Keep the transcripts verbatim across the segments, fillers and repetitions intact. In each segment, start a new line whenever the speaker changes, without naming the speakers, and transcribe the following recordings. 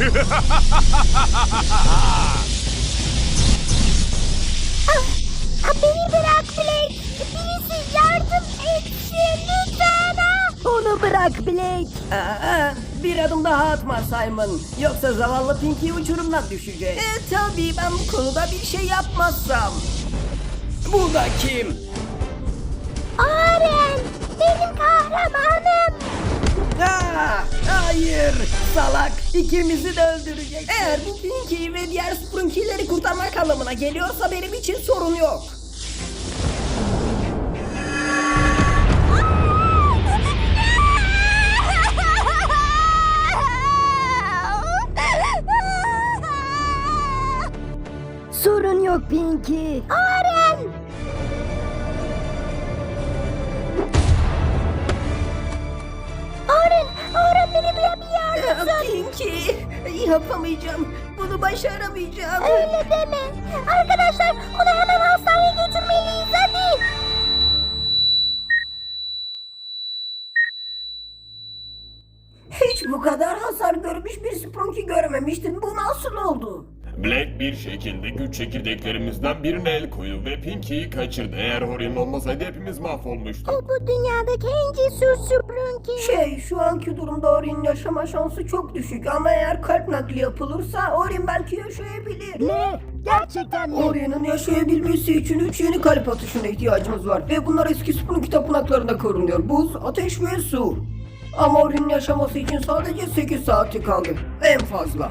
Ah, beni bırak Blake. Birisi yardım etsin lütfen. Ah.
Onu bırak Blake.
Aa, bir adım daha atma Simon. Yoksa zavallı Pinky uçurumdan düşecek. E tabii ben bu konuda bir şey yapmazsam. Bu da kim?
Oren, benim kahramanım.
Aa, hayır salak, ikimizi de öldürecek. Eğer bu Pinky'yi ve diğer Sprunky'leri kurtarmak anlamına geliyorsa benim için sorun yok.
Sorun yok Pinky.
Oren. Oren, Oren beni duyabiliyor musun?
Aa, Pinky, yapamayacağım. Bunu başaramayacağım.
Öyle deme. Arkadaşlar onu hemen hastaneye götürmeliyiz hadi.
Hiç bu kadar hasar görmüş bir Sprunky görmemiştim. Bu nasıl oldu?
Black bir şekilde güç çekirdeklerimizden birine el koydu ve Pinky'yi kaçırdı. Eğer Orion olmasaydı hepimiz mahvolmuştuk.
O bu dünyadaki en cesur Sprunky.
Şey, şu anki durumda Ori'nin yaşama şansı çok düşük ama eğer kalp nakli yapılırsa Ori'nin belki yaşayabilir.
Ne? Gerçekten mi?
Ori'nin yaşayabilmesi için üç yeni kalp atışına ihtiyacımız var ve bunlar eski Sprunky tapınaklarında korunuyor. Buz, ateş ve su. Ama Ori'nin yaşaması için sadece sekiz saati kaldı. En fazla.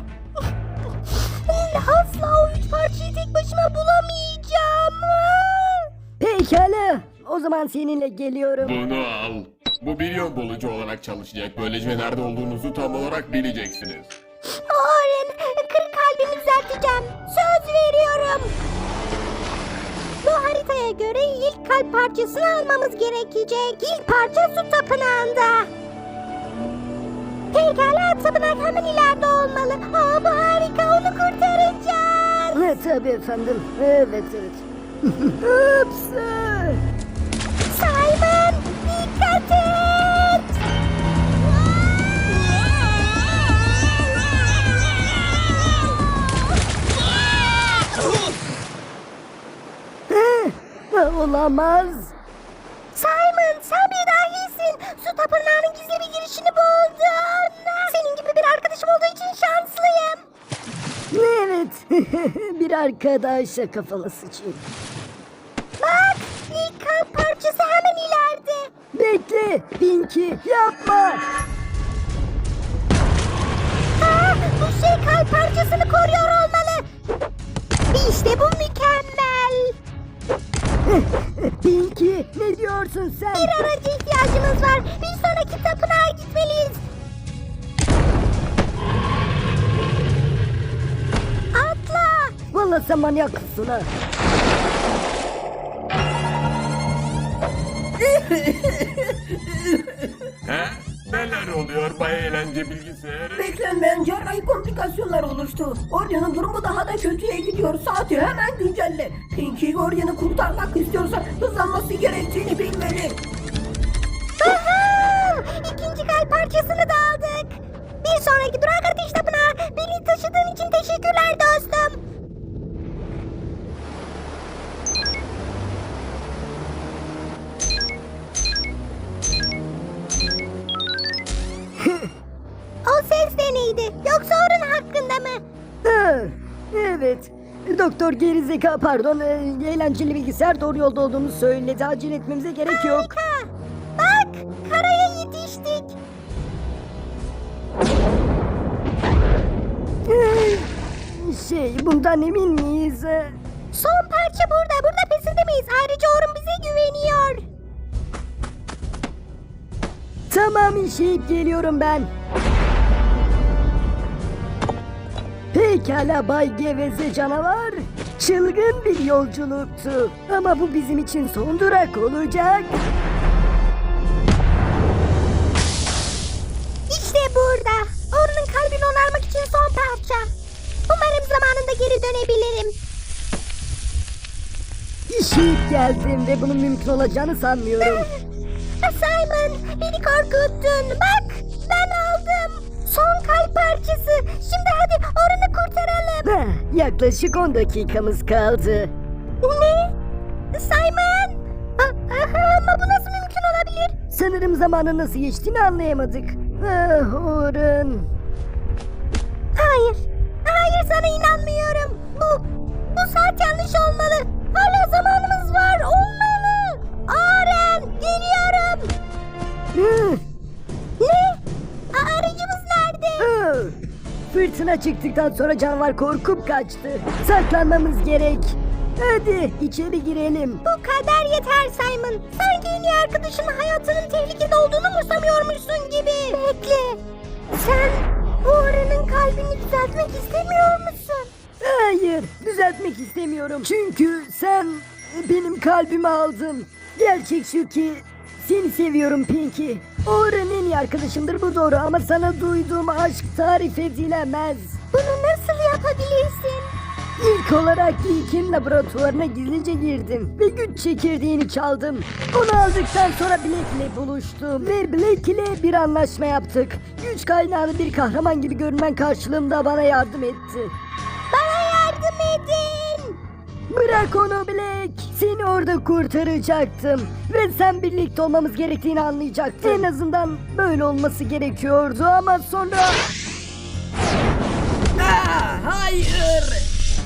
Asla o üç parçayı tek başıma bulamayacağım.
Pekala. O zaman seninle geliyorum.
Bunu al. Bu bir yol bulucu olarak çalışacak. Böylece nerede olduğunuzu tam olarak bileceksiniz.
Oren, kırık kalbimi düzelteceğim. Söz veriyorum. Bu haritaya göre ilk kalp parçasını almamız gerekecek. İlk parça su tapınağında. Pekala, tapınak hemen ileride olmalı. Aa, bu harika, onu kurtaracağız.
Ne tabii efendim. Evet evet. Ups.
Simon, dikkat et.
Heh, Olamaz.
Simon, sen bir dahisin. Su tapınağının gizli bir girişini buldun. Senin gibi bir arkadaşım olduğu için şanslıyım.
Evet. Bir arkadaşa kafalı sıçayım.
Bak, ilk kalp parçası hemen ileride.
Bekle Pinky yapma.
Aa, bu şey kalp parçasını koruyor olmalı. İşte bu mükemmel.
Pinky ne diyorsun sen?
Bir araca ihtiyacımız var. Bir sonraki tapınağa gitmeliyiz. Atla.
Vallahi sen manyaksın ha.
He? Neler oluyor Bay Eğlence Bilgisayarı?
Beklenmeyen cerrahi komplikasyonlar oluştu. Orion'un durumu daha da kötüye gidiyor. Saati hemen güncelle. Pinky Orion'u kurtarmak istiyorsa hızlanması gerektiğini bilmeli.
Aha! İkinci kalp parçasını da aldık. Bir sonraki durak ateş tapınağı. Beni taşıdığın için teşekkürler dostum. O ses de neydi? Yoksa onun hakkında mı?
Ha, evet. Doktor gerizeka pardon e, eğlenceli bilgisayar doğru yolda olduğunu söyledi. Acele etmemize gerek yok.
Harika. Bak, karaya yetiştik.
Ee, Şey bundan emin miyiz? Ee,
Son parça burada. Burada pes edemeyiz. Ayrıca Orun bize güveniyor.
Tamam işeyip geliyorum ben. Pekala Bay Geveze canavar. Çılgın bir yolculuktu. Ama bu bizim için son durak olacak.
İşte burada. Orun'un kalbini onarmak için son parça. Umarım zamanında geri dönebilirim.
İşeyip geldim ve bunun mümkün olacağını sanmıyorum.
Simon, beni korkuttun. Bak, ben aldım. Son kalp parçası. Şimdi hadi Orun'u kurtaralım.
Heh, yaklaşık on dakikamız kaldı.
Ne? Simon? A- aha, ama bu nasıl mümkün olabilir?
Sanırım zamanın nasıl geçtiğini anlayamadık. Ah Orun.
Hayır. Hayır, sana inanmıyorum. Bu, bu saat yanlış olmalı. Hala zamanımız var. Olmalı. Aren, geliyorum.
Hı,
Ne? Aa, aracımız nerede?
hı. Fırtına çıktıktan sonra canavar korkup kaçtı. Saklanmamız gerek. Hadi içeri girelim.
Bu kadar yeter Simon. Sanki en iyi arkadaşının hayatının tehlikede olduğunu umursamıyormuşsun gibi. Bekle. Sen bu Aren'in kalbini düzeltmek istemiyor musun?
Hayır, düzeltmek istemiyorum. Çünkü sen benim kalbimi aldın. Gerçek şu ki seni seviyorum Pinky. Orun en iyi arkadaşımdır, bu doğru, ama sana duyduğum aşk tarif edilemez.
Bunu nasıl yapabilirsin?
İlk olarak İlk'in laboratuvarına gizlice girdim ve güç çekirdeğini çaldım. Onu aldıktan sonra Black ile buluştum ve Black ile bir anlaşma yaptık. Güç kaynağını bir kahraman gibi görünmen karşılığında bana yardım etti.
Bana yardım edin.
Bırak onu Black. Seni orada kurtaracaktım. Ve sen birlikte olmamız gerektiğini anlayacaktın. En azından böyle olması gerekiyordu ama sonra...
Hayır.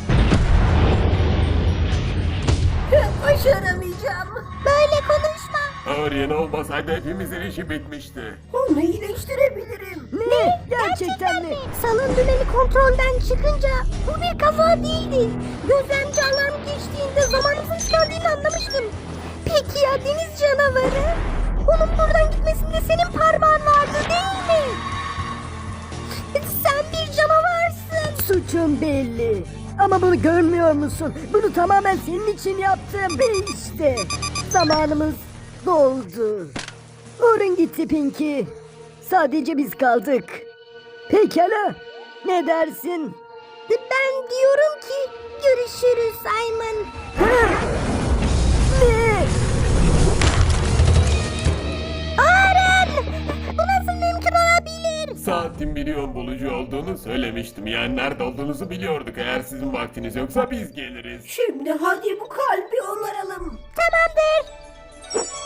Başaramayacağım.
Böyle konuşma.
Orien olmasaydı hepimizin işi bitmişti.
Onu iyileştirebilirim.
Ne? Gerçekten mi?
Salon dönemi kontrolden çıkınca bu bir kaza değildi. Gözlemci alarm geçtiğinde zamanımızın tükendiğini anlamıştım. Peki ya deniz canavarı? Onun buradan gitmesinde senin parmağın vardı değil mi? Sen bir canavarsın.
Suçun belli. Ama bunu görmüyor musun? Bunu tamamen senin için yaptım. Ve işte zamanımız doldu. Orun gitti Pinky. Sadece biz kaldık. Pekala. Ne dersin?
Ben diyorum ki görüşürüz Simon.
Ha? Ne?
Aren! Bu nasıl mümkün olabilir?
Saatin milyon bulucu olduğunu söylemiştim. Yani nerede olduğunuzu biliyorduk. Eğer sizin vaktiniz yoksa biz geliriz.
Şimdi hadi bu kalbi onaralım.
Tamamdır.